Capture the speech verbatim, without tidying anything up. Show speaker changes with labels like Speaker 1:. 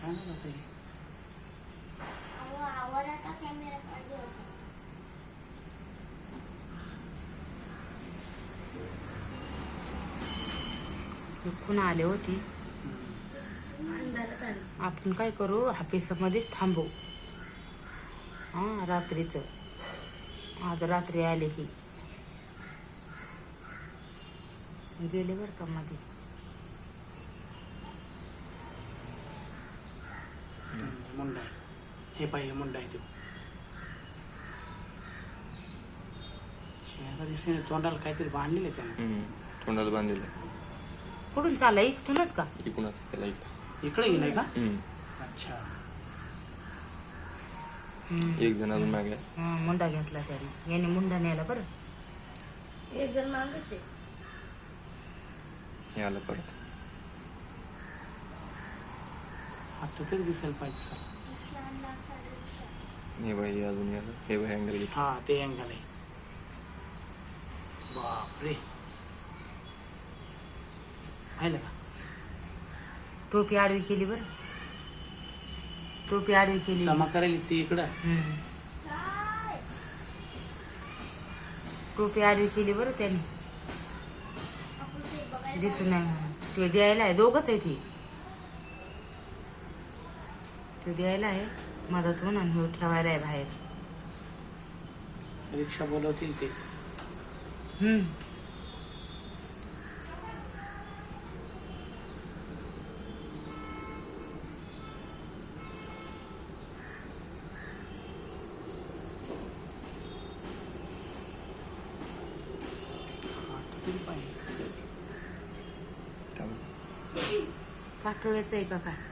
Speaker 1: काय नाही होत आहे.
Speaker 2: पुन्हा आले होती. आपण काय करू, ऑफिसमध्येच थांबू. हा रात्रीच आज रात्री आले की गेले बर का मध्ये.
Speaker 1: मुंडा आहे हे पाहिजे, मुंडा आहे तो. चेहरा दिसणे, तोंडाला काहीतरी बांधलेलं आहे त्यानं.
Speaker 3: तोंडाला बांधलेलं.
Speaker 2: कुठून चालला, इथूनच का?
Speaker 3: इकडूनच त्याला इकडं.
Speaker 1: इकडे गेलाय का? अच्छा.
Speaker 3: एक जण अजून मागे.
Speaker 2: हा मुंडा घेतला त्याने. याने मुंडा न्यायला बरं.
Speaker 4: एक जण मागच आहे.
Speaker 3: हे आलं परत.
Speaker 1: आता तरी दिसायला पाहिजे सर.
Speaker 3: हे बाई अजून याला. हे बाई अँगल घेत.
Speaker 1: हा ते अँगल आहे. बापरे, पाहिलं का?
Speaker 2: टोपी आडवी केली बरं. टोपी आडवी केली.
Speaker 1: जमा करायला ती इकडं.
Speaker 2: हम्म. टोपी आडवी केली बरं त्याने. दिसू नाही म्हणून. तो द्यायला आहे, दोघच आहे ती. तो द्यायला आहे मदतून आणि हे ठेवायला आहे बाहेर.
Speaker 1: रिक्षा बोलवतील ते.
Speaker 2: हम्म.
Speaker 1: आता तरी पाहिजे.
Speaker 2: पाठवळ्याचं आहे का काय?